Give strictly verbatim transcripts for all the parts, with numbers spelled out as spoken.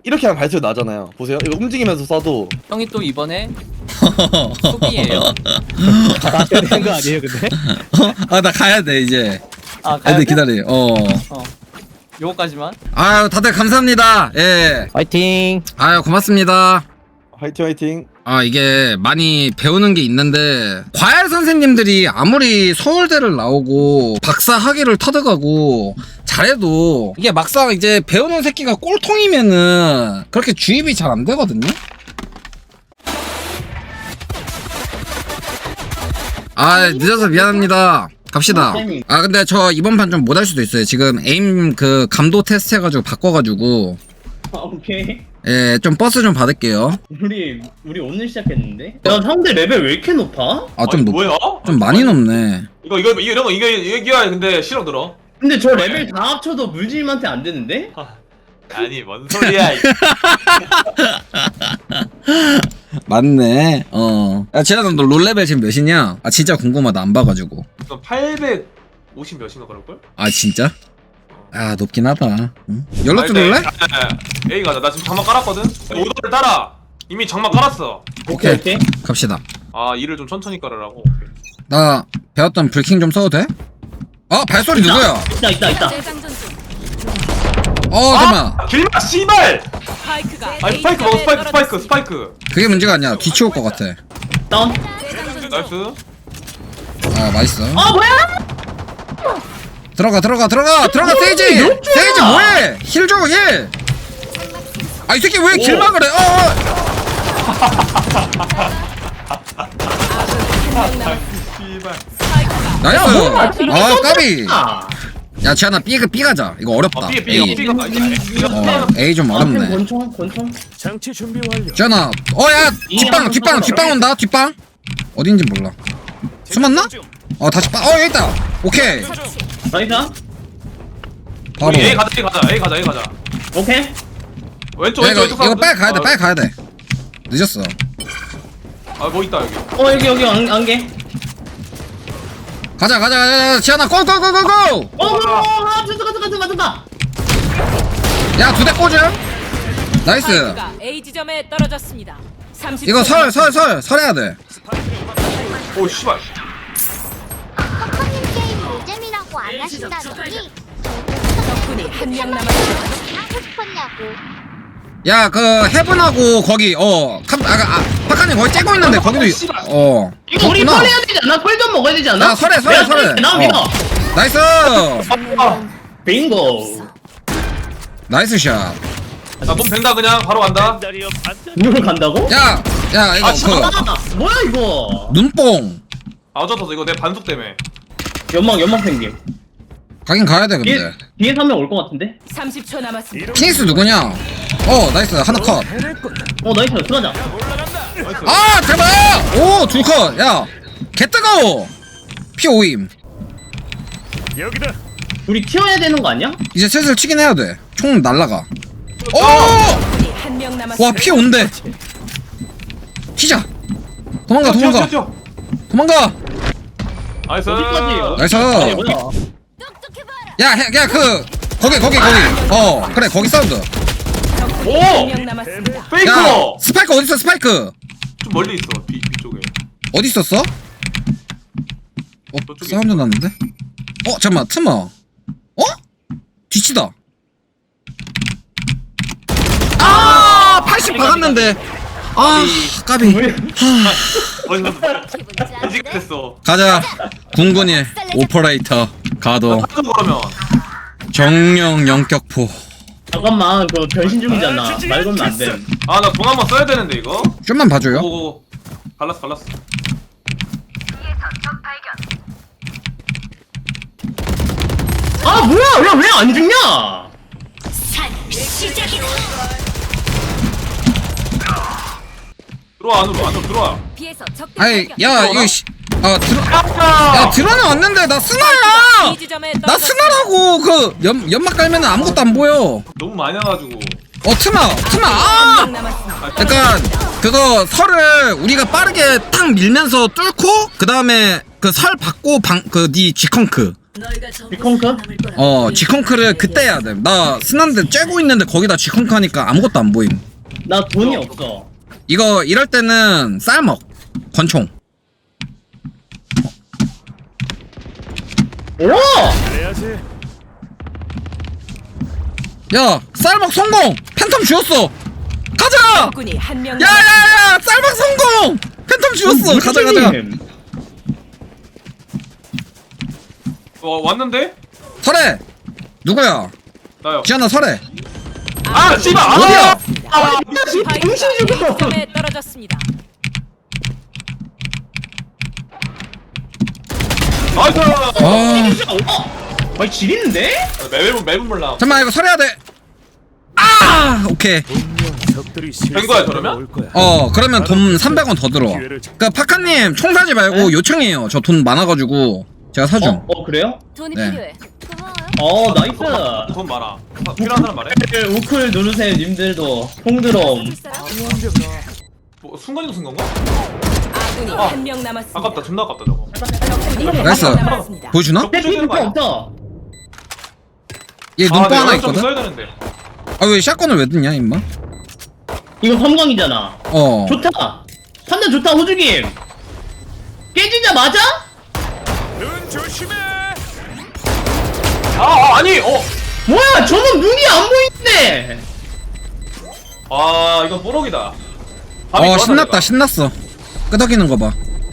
이렇게 하면 발소리 나잖아요. 보세요. 이거 움직이면서 쏴도 형이 또 이번에 수비예요. 다 되는 거 아니에요, 근데? 아 나 가야 돼 이제. 아 가야 애들 돼? 기다려. 어. 어. 요거까지만. 아유 다들 감사합니다. 예. 화이팅! 아유 고맙습니다. 화이팅 화이팅. 아 이게 많이 배우는 게 있는데 과외 선생님들이 아무리 서울대를 나오고 박사 학위를 터득하고 잘해도 이게 막상 이제 배우는 새끼가 꼴통이면은 그렇게 주입이 잘 안 되거든요. 아 늦어서 미안합니다. 갑시다. 아 근데 저 이번 판 좀 못할 수도 있어요. 지금 에임 그 감도 테스트 해가지고 바꿔가지고 아, 오케이. 예 좀 버스 좀 받을게요. 우리 우리 오늘 시작했는데. 야 상대 레벨 왜 이렇게 높아? 아 좀 높, 뭐야? 좀 많이 높네. 이거 이거 이런 거 이거 이겨야 근데 실력 들어. 근데 저 레벨 다 합쳐도 물질한테 안 되는데? 아니 뭔 소리야? 맞네. 어. 야, 재현아, 너 롤레벨 지금 몇이냐? 아, 진짜 궁금하다. 안 봐가지고. 이거 팔백오십 몇인가 그럴 걸? 아, 진짜? 아, 높긴 하다. 응? 연락 좀 올래? A 가자. 나 지금 장막 깔았거든. 오더를 따라. 이미 장막 깔았어. 오케이. 오케이. 갑시다. 아 일을 좀 천천히 깔으라고. 나 배웠던 불킹 좀 써도 돼? 어, 발소리 누구야? 있다 있다 있다. 어, 잠깐만. 아, 길마 씨발. 스파이크가 아니 스파이크 먹어 스파이크 스파이크 스파이크. 그게 문제가 아니야. 뒤치울 것 같아. 다운. 나이스. 아, 맛있어. 아 뭐야? 들어가, 들어가, 들어가! 들어가, 세이지! 세이지 뭐해! 힐 줘, 힐! 아, 이 새끼 왜 길막을 해? 어, 어! 씨발. 나이스! 아, 까비! 아. 야, 지현아, B, B 가자. 이거 어렵다. 아 삐 A. 삐 삐가 이거 어, A 좀 앞에 어렵네. 권총 권총. 장치 준비 완료. 지현아, 어, 야! 뒷방, 뒷방, 뒷방 온다, 뒷방! 어딘지 몰라. 숨었나? 어, 다시 빠, 어, 여기 있다! 오케이! 나이다. 바로. 우리 A 가자 A 가자 A 가자 A 가자. 오케이. 왼쪽 야, 이거, 왼쪽 왼쪽 이거 빨리 가야 돼, 아, 빨리 가야 돼. 늦었어. 아뭐 있다 여기. 어 여기 여기 안, 안개. 가자, 가자, 가자, 지현아, 고, 고, 고, 고, 고! 어, 어, 아, 들어가, 들어가, 들어가, 들어가. 야, 두 대 꽂음! 나이스! 스파이크가 A 지점에 떨어졌습니다. 삼십 이거 설, 설, 설, 설해야 돼. 오 씨발. 커커님 게임 노잼이라고 안 하신다더니 적군이 한 명 남았습니다. 하고 싶었냐고. 야, 그, 헤븐하고, 거기, 어, 캄, 아, 아, 파카님 거기 째고 있는데, 거기도, 이- 어. 이거 우리 그렇구나. 펄해야 되지 않아? 펄 좀 먹어야 되지 않아? 야, 설해, 설해, 내가 설해. 나 어. 믿어. 나이스! 아, 빙고. 나이스 샷. 나몸 벤다 그냥 바로 간다. 이걸 간다고? 야, 야, 이거, 아, 진짜? 그, 아, 뭐야 이거? 눈뽕. 아 어쩌서 이거 내 반숙 때문에. 연막 연막 펭귄. 가긴 가야 돼, 뒤에 근데. 뒤에서 한 명 올 것 같은데? 삼십 초 남았습니다. 피닉스 누구냐? 어, 나이스. 하나 컷. 어 나이스 들어가자. 아, 대박! 오, 둘 컷. 야, 개 뜨거워. 피 오임. 우리 튀어야 되는 거 아니야? 이제 슬슬 치긴 해야 돼. 총 날라가. 오! 적군이 한 명 남았습니다. 와, 피 온대. 튀자. 도망가, 뛰어, 도망가. 뛰어, 뛰어. 도망가. 나이스. 어디까지? 나이스. 아니 뭐야? 야, 해, 야, 그, 거기, 거기, 거기. 어, 그래, 거기 사운드. 적군이 오! 한 명 남았습니다. 야, 페이커. 스파이크 어딨어, 스파이크? 좀 멀리 있어. B B 쪽에. 어디 있었어? 어, 저쪽에 사운드 났는데? 어, 잠깐만, 트머. 어? 뒤치다. 아, 팔십 박았는데. 아, 까비. 어디서 이직 됐어. 가자. 궁군이 오퍼레이터 가도 하도 그러면. 정령 영격포. 잠깐만 그 변신 중이잖아. 말 걸면 안 돼. 아 나 돈 한번 써야 되는데 이거. 좀만 봐줘요. 오오오. 갈랐어 갈랐어. 아 뭐야? 야 왜 안 죽냐? 들어와 안으로 안으로 들어와. 비에서 적대 아이, 발견. 야, 이거 씨. 아, 들어. 야, 들어는 왔는데 나 스나야. B 지점에 나 떨어졌습니다. 스나라고. 그 연, 연막 깔면 아무것도 안 보여. 너무 많이 와가지고. 어, 트마, 트마. 한 아! 명 남았습니다. 약간 그거 설을 우리가 빠르게 탁 밀면서 뚫고 그 다음에 그 설 받고 방 그 니 G컨크 비컨크? 어 G컨크를 그때 해야 돼나 스난데 쬐고 있는데 거기다 G컨크 하니까 아무것도 안 보임. 나 돈이 없어. 이거 이럴 때는 쌀먹 권총. 오! 그래야지. 야 쌀먹 성공! 팬텀 주웠어! 가자! 적군이 한 명 남았습니다. 야야야 쌀먹 성공! 팬텀 주웠어! 가자 가자. 어 왔는데? 설해! 누구야? 나요. 지현아 설해. 아 씨발. 아, 어디야? 아, 스파이크가 A점에 떨어졌습니다. 나이스. 아 아니 지리는데? 매분 매분 몰라. 잠깐만 이거 설해야 돼. 아 오케이. 분명 적들이 된 거야, 그러면? 올 거야. 어 그러면 돈 삼백 원 더 들어. 기회를 잡- 그니까 파카님 총 사지 말고 요청해요. 저 돈 많아가지고 제가 사줌. 어? 어 그래요? 돈이 네. 필요해. 고마워요. 어 나이스. 돈 많아. 필요한 사람 말해. 우클 누르세요 님들도. 홍드럼. 뭐 순간이동 쓴 건가? 아군이 아. 한 명 남았습니다. 아깝다. 존나 아깝다 저거. 적군이 한 나이스. 명 남았습니다. 보여주나? 저 부셔야 되는 거 아니야? 없다. 얘 눈뽕 아, 하나 내가 좀 있거든? 써야 되는데. 아 왜 샷건을 왜 듣냐 임마? 이거 섬광이잖아. 어 좋다. 판단 좋다 호주김. 깨지자마자? 눈 조심해. 아, 아 아니 어. 뭐야 저는 눈이 안 보이는데. 아 이건 뽀록이다. 밤이 어 좋았나, 신났다 내가. 신났어. 끄덕이는 거 봐.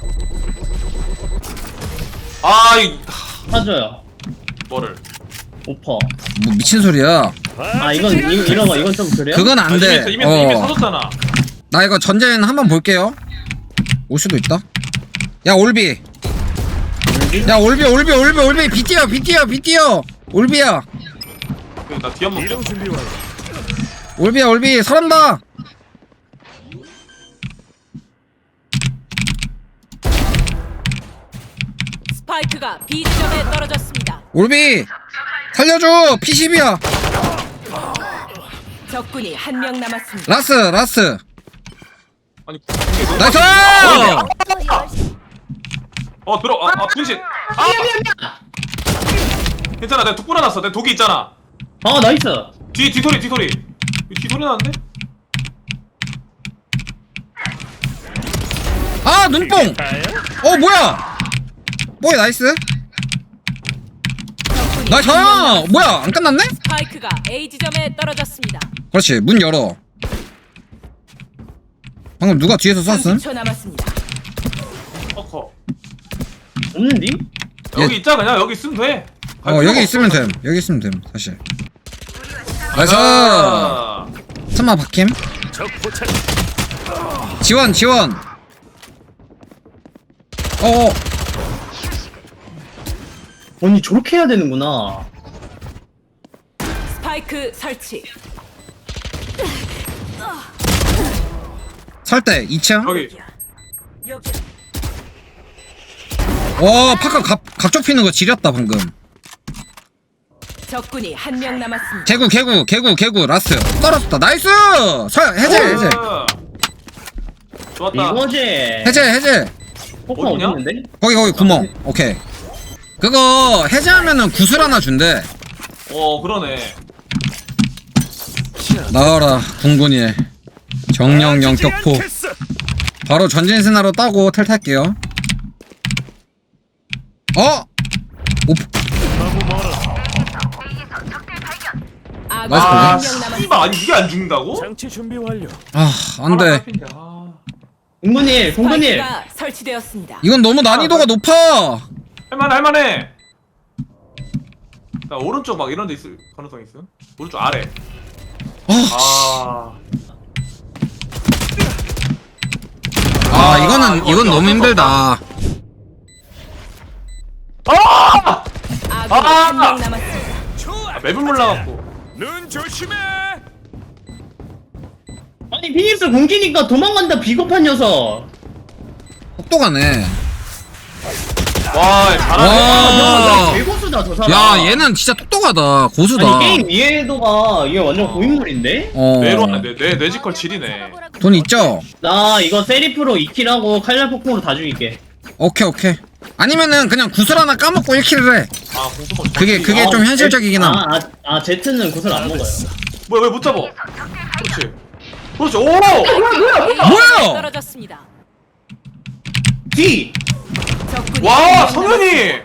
아 이. 사줘요. 뭐를? 오퍼. 뭐 미친 소리야. 아 이건 이, 이런 거 이건 좀 그래요? 그건 아, 안 돼. 이미 이미 이미 어. 사줬잖아. 나 이거 전쟁 한번 볼게요. 올 수도 있다. 야 올비. 야 올비 올비 올비 올비 비티어 비티어 비티어 올비야 그, 나 뒤 한번. 이동 준비 완료. 올비야 올비 설한다. 스파이크가 B점에 떨어졌습니다. 올비 살려줘. 피십이야. 적군이 한 명 남았습니다. 라스 라스. 아니 이게 너무. 나이스. 어 들어. 아, 아 분신. 아 괜찮아. 내가 독 뿌려놨어. 내 독이 있잖아. 아 나이스. 뒤 뒤소리 뒤소리. 뒤소리 나는데? 아 눈뽕. 어 뭐야? 뭐야 나이스. 적군이 나이스. 한명 남았습니다. 뭐야 안 끝났네? 스파이크가 A 지점에 떨어졌습니다. 그렇지 문 열어. 방금 누가 뒤에서 쐈음? 삼십 초 남았습니다. 어커. 없는디? 여기 예. 있자 그냥 여기 있으면 돼. 갈 어 필요가 여기 없어. 있으면 됨. 여기 있으면 됨 사실. 나이스. 아. 참마 박힘. 적 포착. 지원 지원. 어 아니 저렇게 해야 되는구나. 스파이크 설치. 설대 이 층. 여기. 와 파카 각, 각적 피는 거 지렸다 방금. 적군이 한 명 남았습니다. 개구 개구 개구 개구 라스트 떨어졌다. 나이스. 설 해제 해제 아. 좋았다. 이거지. 해제 해제. 포커 어디냐? 없는데? 거기 거기 구멍. 오케이. 그거 해제하면은 구슬 하나 준대. 어 그러네. 나와라 궁군이의 정령 영격포. 않겠어. 바로 전진신화로 따고 텔 탈게요. 어? 오, 너무 멀어. 아군 나이스 아 한 명 남았습니다. 씨발 아니 이게 안 죽는다고? 장치 준비 완료. 아 안돼. 아, 공군일 공군일. 스파이크가 설치되었습니다. 이건 너무 난이도가 높아. 할만해 할만해. 나 오른쪽 막 이런 데 있을 가능성 있음? 오른쪽 아래. 아, 아. 아 이거는 이거 이건 어쩔 너무 수 힘들다. 아! 아군 아! 한 명 남았습니다. 아 맵을 몰라갖고. 눈 조심해. 아니 피닉스 공기니까 도망간다 비겁한 녀석. 똑똑하네. 와 잘하네. 와. 야, 개고수다 저 사람. 야 얘는 진짜 똑똑하다. 고수다. 아니 게임 이해도가 이게 완전 고인물인데? 어. 뇌로 하네 뇌, 뇌 뇌지컬 질이네. 돈 있죠? 나 이거 세리프로 이 킬하고 칼날 폭풍으로 다 죽일게. 오케이 오케이. 아니면은 그냥 구슬 하나 까먹고 일 킬을 해. 아 공수모 그게 그게 좀 현실적이긴 함. 아, 아, 아 제트는 구슬 안 먹어요. 뭐야 왜 못 잡아 그렇지 그렇지 오 뭐야? 떨어졌습니다. 뒤! 적군이 와 한명 성현이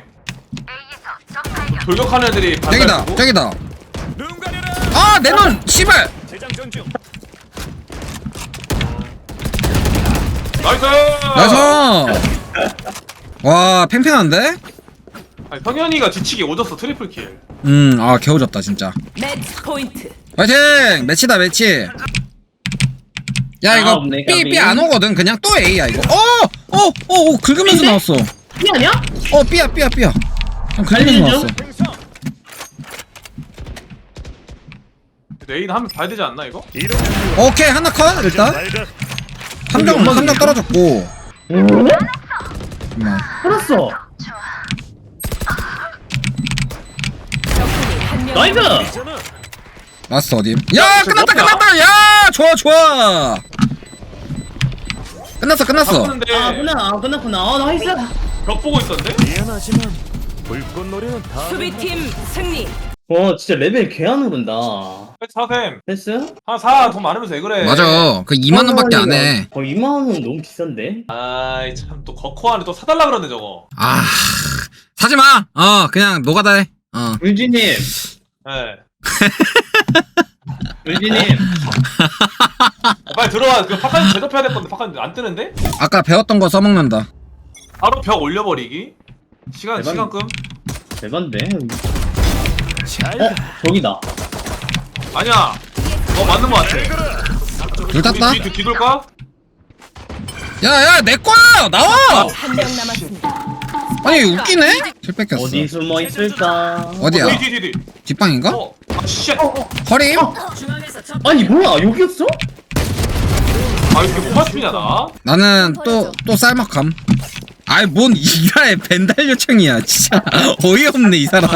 돌격하는 애들이 저기다 반대고 저기다. 눈 가려라. 아 내 눈 씨발. 재장전 중. 나이스 나이스. 와 팽팽한데? 아니, 성현이가 지치게 오졌어 트리플 킬 음아 개워졌다 진짜. 매치 포인트. 화이팅! 매치다 매치. 야 아, 이거 없네, B 까비. B 안 오거든. 그냥 또 A야 이거. 어! 어! 어! 어 긁으면서 B인데? 나왔어. 이 아니야? 어 B야 B야 B야. 그냥 긁으면서 달리는 나왔어. 중? 행성. 레인 하면 봐야 되지 않나 이거? 이런 오케이 하나 컷 일단. 발각. 함정 함정 떨어졌고. 잠깐만. 살았어. 적군이 한명 나이스! 있잖아. 라스트 어디? 야 끝났다 끝났다. 야 좋아 좋아. 끝났어 끝났어. 바꾸는데 아, 끝나, 아, 끝났구나. 아, 나이스. 벽 보고 있던데? 미안하지만 불꽃놀이는 다. 수비팀 승리. 와, 진짜 레벨 개 안 오른다. 사셈 패스? 한사돈 많으면서 왜 그래 맞아. 그 이만 원밖에 안 해. 어, 이만 원은 너무 비싼데? 아이 참 또 거코 안에 또 사달라 그러네 저거 아 사지 마. 어 그냥 노가다 해. 어. 울지님, 예 울지님. 빨리 들어와 그 파칸 제접해야 될 건데 파칸 안 뜨는데? 아까 배웠던 거 써먹는다. 바로 벽 올려버리기 시간 대박. 시간끔 대반데? 잘 어? 가. 저기다. 아니야 어 맞는 거 같아 둘 땄다. 뒤, 뒤, 뒤돌까? 야야 내 거야 나와. 한 명 남았습니다. 아니 웃기네. 킬 뺏겼어. 어디 숨어 있을까? 어디야? 뒤, 뒤, 뒤, 뒤. 뒷방인가? 어? 아 쉣! 허림? 아니, 뭐야, 여기였어? 아 이렇게 못 맞추냐 나? 나는 또 또 쌀막함. 아이 뭔 이가의 벤달 요청이야 진짜 어이없네 이 사람.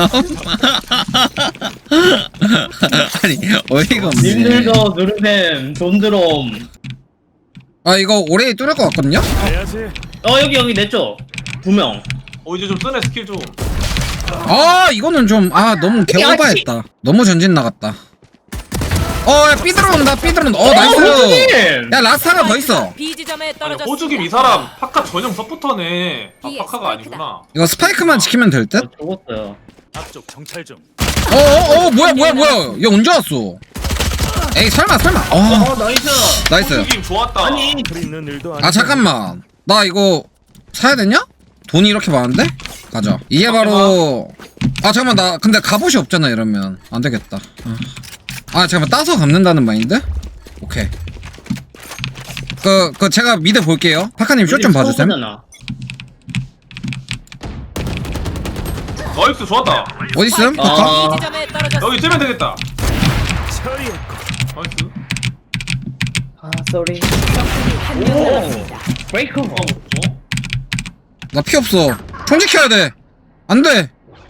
아니 어이가 없네. 님들도 누르셈, 돈드롬. 아 이거 올해 뚫을 것 같거든요? 가야지. 어, 여기, 여기, 내 쪽. 두 명. 어 이제 좀 뜨네 스킬 좀 아 이거는 좀 아 너무 개오바했다. 너무 전진 나갔다. 어야 삐 들어온다 삐 들어온다. 어 나이스. 호주님! 야 라스트 하나 더 있어. B 지점에 아니 떨어졌습니다. 호주김 이 사람 파카 전용 서포터네 아 뒤에 파카가 스파이크다. 아니구나 이거 스파이크만 지키면 될 듯? 어, 죽었어요. 앞쪽 정찰 중. 어어어 뭐야 뭐야 뭐야 얘 언제 왔어? 에이 설마 설마. 어 어, 나이스. 나이스. 호주김 좋았다 아니, 글 있는 일도 아니. 아 잠깐만 나 이거 사야 되냐? 돈이 이렇게 많은데? 가자. 이게 바로 아 잠깐만 나 근데 갑옷이 없잖아 이러면 안 되겠다. 아, 아 잠깐만 따서 갚는다는 마인드? 오케이. 그, 그 제가 미드 볼게요. 파카님 숏 좀 봐주셈. 서버잖아. 나이스 좋았다 어디 있음? 파카? 아. B 지점에 떨어졌습니다. 여기 뜨면 되겠다 처리했고. 나이스 아, 쏘리. 적군이 한명 오. 남았습니다. 브레이크. 어, 어? 나 피 없어. 총 지켜야 돼. 안 돼.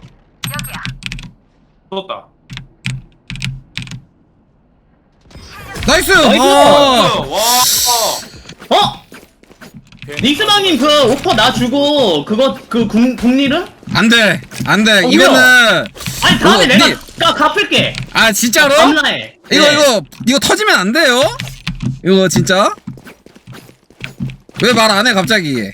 떴다 나이스. 나이스. 아. 와 어? 닉스방님 그 오퍼 나 주고 그거 그 국, 국리를? 안 돼. 안 돼. 어, 이거는 아니 다음에 어, 내가 니- 가, 갚을게. 아 진짜로? 밤라에. 이거 네. 이거 이거 터지면 안 돼요? 이거 진짜? 왜 말 안 해 갑자기?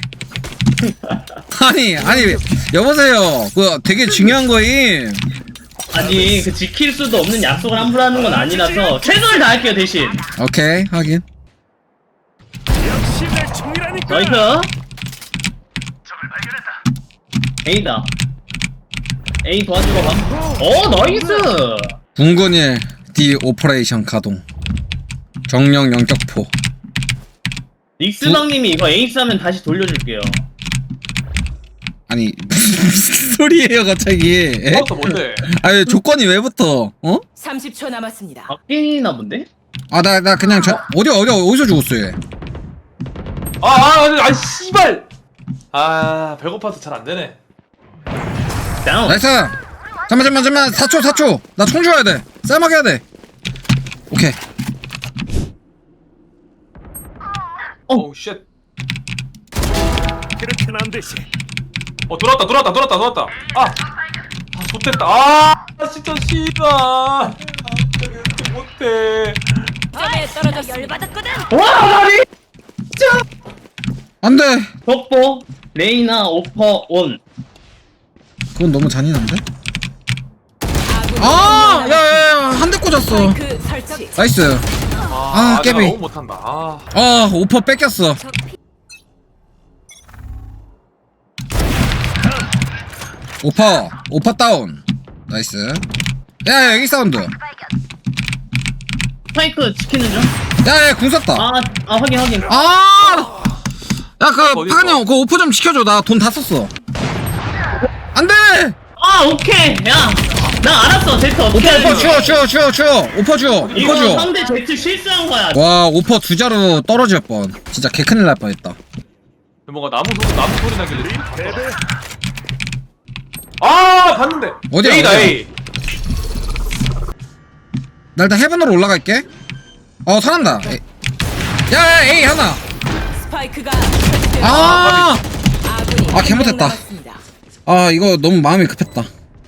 아니 아니 여보세요. 그 되게 중요한 거임. 아니 그 지킬 수도 없는 약속을 함부로 하는 건 아니라서 최선을 다할게요 대신. 오케이 하긴. 역시 내 총이라니까. 나이스. A다. A 도와주러 가. 어 나이스. 군군일 D 오퍼레이션 가동. 정령 영격포. 닉스방님이 이거 에이스 하면 다시 돌려줄게요. 아니 무슨 소리예요 갑자기? 에? 그것도 뭔데 아니 조건이 왜 붙어? 어? 삼십 초 남았습니다. 바뀌나 본데? 아 나 나 그냥 저 어디 어디 어디서 죽었어 얘? 아아 아니 아 씨발 아 배고파서 잘 안되네 다운. 나이스. 잠만 잠만 잠만 사 초 사 초. 나 총 줘야 돼. 쌀막 해야 돼. 오케이. 오우 쉣 그렇게는 안 되지. 어 돌았다 돌았다 돌았다 돌았다. 아, 아 좋댔다. 아 진짜 씨발. 이렇게 못해. 점에 떨어졌습니다. 열받았거든. 와 나리 안돼. 덕보 레이나 오퍼 온. 그건 너무 잔인한데? 아군이 아, 한명 야야야, 한 대 꽂았어. 스파이크 설치. 나이스. 아, 아, 내가 깨비. 너무 못한다. 아, 아, 오퍼 뺏겼어. 오퍼, 오퍼 다운. 나이스. 야, 야, 여기 사운드. 스파이크 지키는 중. 야, 야, 궁 쐈다. 아, 아 확인 확인. 아! 야, 그, 어디 파간이 있어? 형, 그 오퍼 좀 지켜줘. 나 돈 다 썼어. 안 돼! 아 오케이. 야, 나 알았어. 제트 어떻게 오퍼, 오퍼, 하는지. 주워, 주워, 주워, 주워. 오퍼 주워, 오퍼 이거 주워. 상대 제트 실수한 거야. 와, 오퍼 두 자루 떨어질 뻔. 진짜 개큰일 날 뻔했다. 뭔가 나무 소리 나무 소리 나길래. 패배. 아, 봤는데. 어디야, A다 어디야? A. 나 일단 헤븐으로 올라갈게. 어, 살았다. 에이. 야, 야, 에이, 하나. 스파이크가 설치되고 아! 아군이 아, 한명 개못했다. 남았습니다. 아, 이거 너무 마음이 급했다.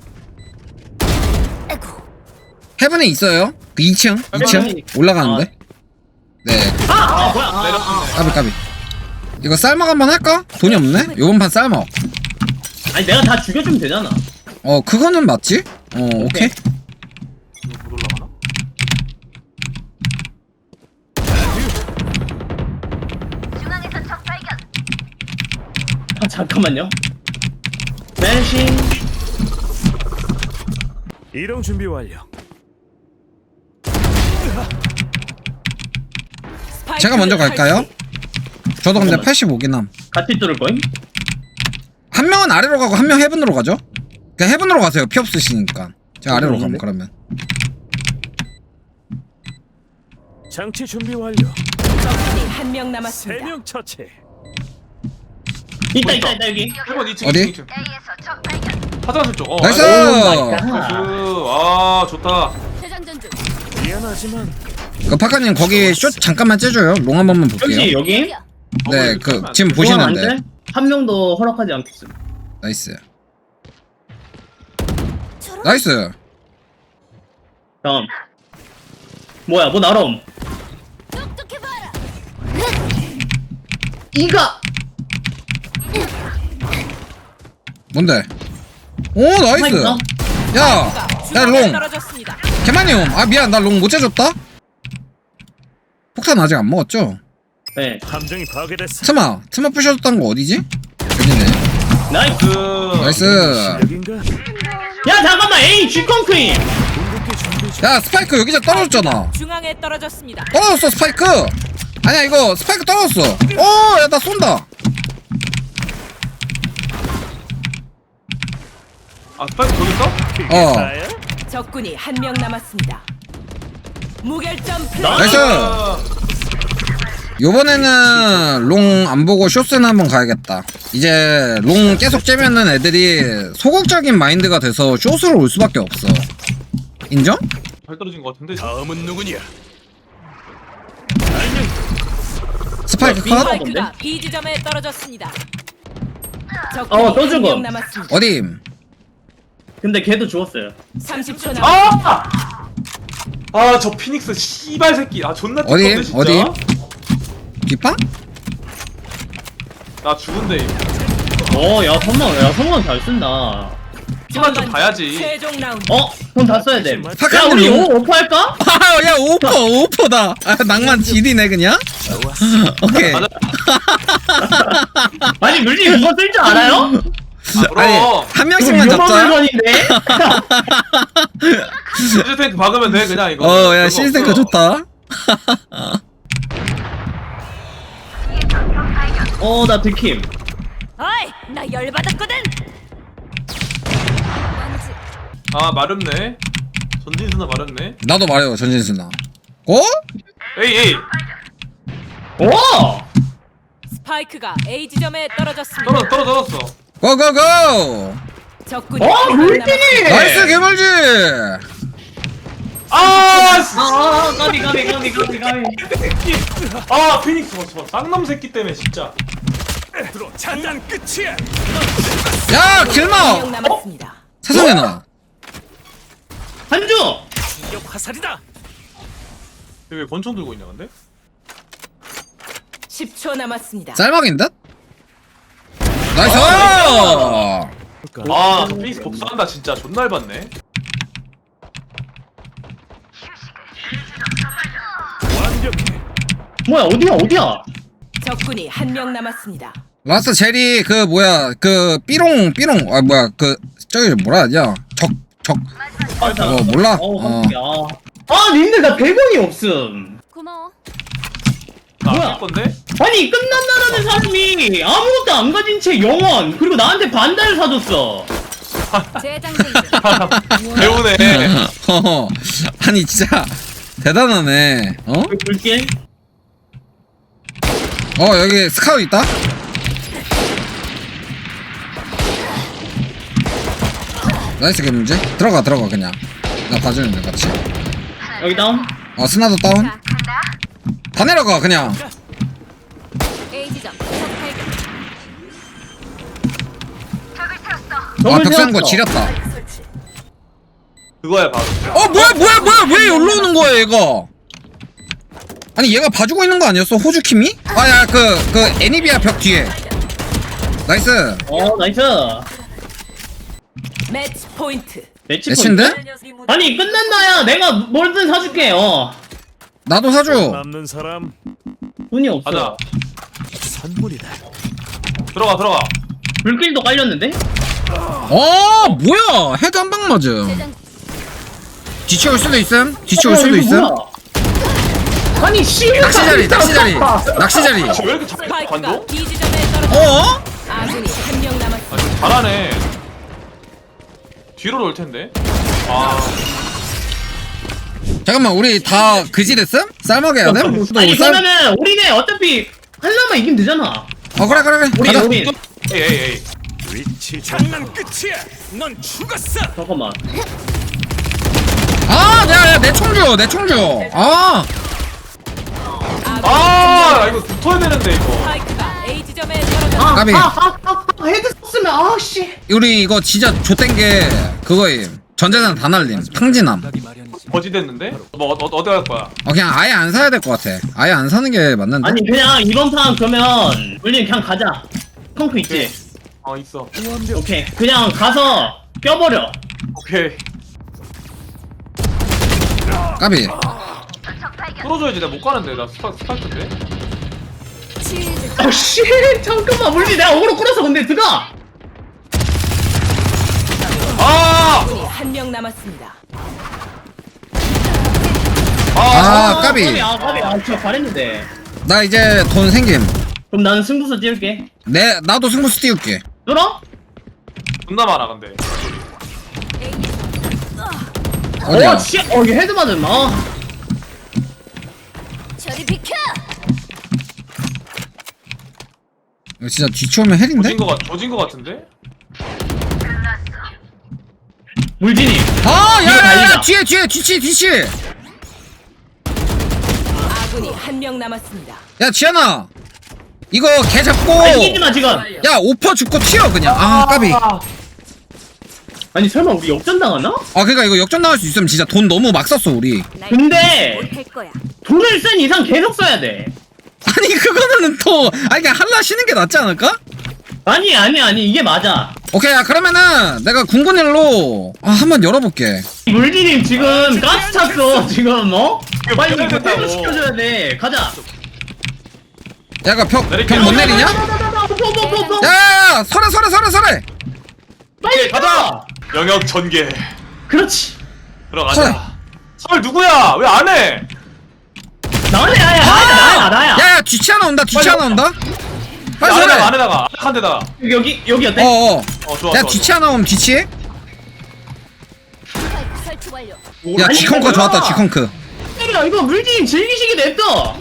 헤븐에 있어요? 그 이 층? 이 층? 헤븐이- 올라가는데? 네. 아, 아 뭐야? 아, 아, 아. 까비, 까비. 이거 쌀먹 한번 할까? 돈이 없네? 요번 판 쌀먹. 아니 내가 다 죽여주면 되잖아. 어, 그거는 맞지? 어, 오케이. 이거 못 올라가나? 아 잠깐만요. 멜신. 이동 준비 완료. 스파이크 제가 먼저 갈까요? 설치. 저도 근데 잠깐만. 팔십오긴 함. 같이 뚫을 거임? 한 명은 아래로 가고 한 명 헤븐으로 가죠? 그냥 헤븐으로 가세요. 피 없으시니까. 제가 아래로 가면 그러면. 장치 준비 완료. 적군이 한명 세 남았습니다. 명 처치. 있다 있다 있다 여기. 일번 이 층, 어디? 이 층, 이 층. 화장실 쪽. 어, 나이스! 나이스. 오 마이 갓. 아, 좋다. 재장전 중. 미안하지만 그 파카님 거기 숏 잠깐만 째줘요. 롱 한 번만 볼게요. 여기 여기. 네, 어, 그 이거 지금 그건 안 보시는데. 돼? 한 명도 허락하지 않겠음. 나이스. 나이스. 다음. 뭐야 뭐 나름. 이가. 뭔데? 오, 나이스. 스파이크가? 야, 야, 중앙에 롱. 떨어졌습니다. 개만이옴. 아, 미안. 나 롱 못 재줬다? 폭탄 아직 안 먹었죠? 네. 함정이 파괴됐어. 트마. 트마 부셔줬던 거 어디지? 여기네. 나이스. 그 나이스. 실력인가? 야 잠깐만 에이 쥐컨크임. 궁극기 준비 중. 야, 스파이크 여기서 떨어졌잖아. 중앙에 떨어졌습니다. 떨어졌어, 스파이크. 아니야, 이거 스파이크 떨어졌어. 오, 야, 나 쏜다. 아, 스파이크 저기 있어? 어. 나야? 적군이 한 명 남았습니다. 무결점 플레이. 나이스. 아, 요번에는 롱 안 보고 쇼스는 한번 가야겠다. 이제 롱 계속 째면은 애들이 소극적인 마인드가 돼서 쇼스로 올 수밖에 없어. 인정? 발 떨어진 것 같은데. 다음은 누구냐? 스파이크 야, 컷? 스파이크가 B 지점에 떨어졌습니다. 어, 적군이 또 한 죽어. 명 남았습니다. 어디? 근데 걔도 죽었어요. 삼십 초 남았습니다. 아! 아, 저 피닉스 씨발 새끼. 아, 존나 어디? 띠껍네, 진짜. 어디? 뒷방? 나 죽은데. 어, 야 선망, 야 선망 잘 쓴다. 키만 좀 봐야지. 최종 라운드. 어, 돈 다 써야 돼. 야 파카님 우리 롱. 오 오퍼 할까? 아, 야, 오퍼, 오퍼다. 아, 낭만 지리네, 그냥? 오케이. 맞아. 아니 물리 그거 쓸 줄 알아요? 아니, 그럼. 한 명씩만 이거 잡자. 물건인데. 시즈 탱크 박으면 돼, 그냥 이거. 어, 야, 별거 시스템크 없어. 좋다. 어, 나 들킴. 어이, 나 열받았거든. 아, 마렵네. 전진수나 마렵네. 나도 말해요, 전진수나. 어? 에이, 에이. 오! 스파이크가 A 지점에 떨어졌습니다. 떨어, 떨어, 떨어졌어. 고고고! 적군이 어, 한 명 물등이! 남았습니다. 나이스, 개멀지! 아, 씨. 아, 아, 까비, 까비, 까비, 까비, 까비. 새끼. 아, 피닉스 봐, 저 쌍놈 새끼 때문에 진짜. 들어 장난 끝이야. 야 한 명 길마 남았습니다. 세상에 나 한주. 충격 화살이다. 왜 권총 들고 있냐 근데? 십 초 남았습니다. 짤막인 듯? 나이스 아, 저 페이스 복수한다 진짜 존나 얇았네. 완벽해. 뭐야 어디야 어디야? 적군이 한 명 남았습니다. 라스트 제리 그 뭐야 그 삐롱 삐롱 아 뭐야 그 저기 뭐라 하냐 적적 맞아. 어 몰라 어, 어 깜짝이야. 아, 님들 나 백 원이 없음. 고마워. 뭐야? 나할 건데? 아니 끝난다라는 사람이 아무것도 안 가진 채 영원 그리고 나한테 반달을 사줬어. 재장전. 배우네. 어, 아니 진짜 대단하네 어? 여기 볼게. 어 여기 스카우 있다? 나이스 게 문제? 들어가 들어가 그냥 나 봐주는데 같이 여기 다운. 어 스나도 다운 다 내려가 그냥 A 지점. 아 적을 벽세는 거 세웠어. 지렸다 그거야 바로. 어 뭐야 뭐야 뭐야 왜 여기로 오는 거야 얘가 아니 얘가 봐주고 있는 거 아니었어 호주킴이? 아야 그 그 애니비아 벽 뒤에 나이스 어 나이스. 매치 포인트. 매치 매치인데? 포인트? 아니 끝난다야. 내가 뭐든 사줄게. 어. 나도 사줘 남는 사람 돈이 없어. 가자. 선물이다. 들어가 들어가. 불길도 깔렸는데? 어 뭐야 헤드 한 방 맞음 뒤치올 수도 있음 뒤치올 어, 수도 이거 있음 뭐야? 아니 씨. 낚시 자리 낚시 자리 낚시 자리 왜 이렇게 잘 스파이크가 관종? B 지점에 떨어져 어? 아군이 한 명 남았습니다. 아, 좀 잘하네. 뒤로 올 텐데. 아, 잠깐만 우리 다 그지 됐음? 쌀먹 해야 돼? 아니 그러면은 우리네 어차피 한라만 이기면 되잖아. 어 그래 그래 그래 우리 가자 우리 에이 에이 에이. 위치 장난 끝이야. 넌 죽었어. 잠깐만. 아 야야 내 총주 내 총주 아 아, 이거 붙어야 되는데 이거. 스파이크가 A 지점에 떨어져 아, 까비. 아, 아, 아, 아, 헤드 썼으면 아 씨. 우리 이거 진짜 좆된 게 그거임 전재산 다 날림 탕진함 거지 됐는데? 뭐 어, 어, 어디 갈 거야? 어 그냥 아예 안 사야 될 것 같아 아예 안 사는 게 맞는데 아니 그냥 이번 판 그러면 우리 그냥 가자. 펑크 있지? 어 있어. 오케이. 그냥 가서 껴버려. 오케이. 까비 뚫어줘야지. 내가 못 가는데 나 스파 스파이크인데. 아 씨. 잠깐만 물리 내가 어그로 끌어서 근데 들어가. 아, 적군이 한 명 남았습니다. 아 까비 아 까비. 아 진짜 잘했는데. 나 이제 돈 생김 그럼 나는 승부수 띄울게. 내 나도 승부수 띄울게 뚫어? 존나 많아 근데. 어디야 어 씨. 어 이게 헤드 맞은 어. 저리 비켜. 이거 진짜 뒤치오면 헬인데? 조진 거 같, 조진 거 같은데? 물진이. 아 뒤에 야야야 달리자. 뒤에 뒤에 뒤치 뒤치 아군이 한 명 남았습니다. 야 지현아 이거 개 잡고 아 이기지 마 지금. 야 오퍼 죽고 튀어 그냥 아 까비 아니 설마 우리 역전 당하나? 아 그니까 이거 역전 나갈 수 있으면 진짜 돈 너무 막 썼어 우리 근데 할 거야. 돈을 쓴 이상 계속 써야 돼. 아니 그거는 또 아니 그냥 한라 쉬는 게 낫지 않을까? 아니 아니 아니 이게 맞아. 오케이 야 그러면은 내가 궁금일로 아 한번 열어볼게 물진님 지금 가스 찼어 지금 어? 빨리 이거 이거 된다고. 퇴로 시켜줘야 돼. 가자. 야 이거 벽 내릴게. 벽 못 내리냐? 뽀뽀뽀뽀. 야야야 설해 설해 설해 설해 빨리 가자. 영역 전개. 그렇지. 들어가자. 설 누구야? 왜 안 해? 나네 나야 나야 나야 나야. 야야 뒤치 하나 온다 뒤치 하나 온다 빨리 안에다가 설해 안에다가 한 대다가. 여기 여기 여기 어때? 어어 어 좋아. 야 좋아, 뒤치 좋아. 하나 오면 뒤치 스파이크 설치 완료. 야 아니, 지컨크 이거 좋았다 뭐야? 지컨크 야 이거 물진 즐기시게 냅둬.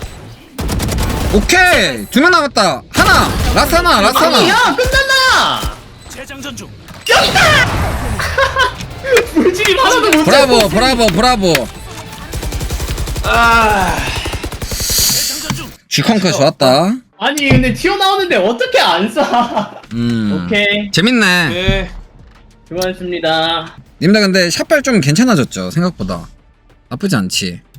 오케이 두 명 남았다 하나 라스 하나 라스 아니 하나 야 끝났나? 재장전 중. 물진이 하나도 못 브라보 잡고. 브라보 브라보 아. 지컨크 좋았다 아니 근데 튀어나오는데 어떻게 안 쏴? 음. 오케이 재밌네. 네. 수고하셨습니다. 님들 근데 샷발 좀 괜찮아졌죠 생각보다. 나쁘지 않지.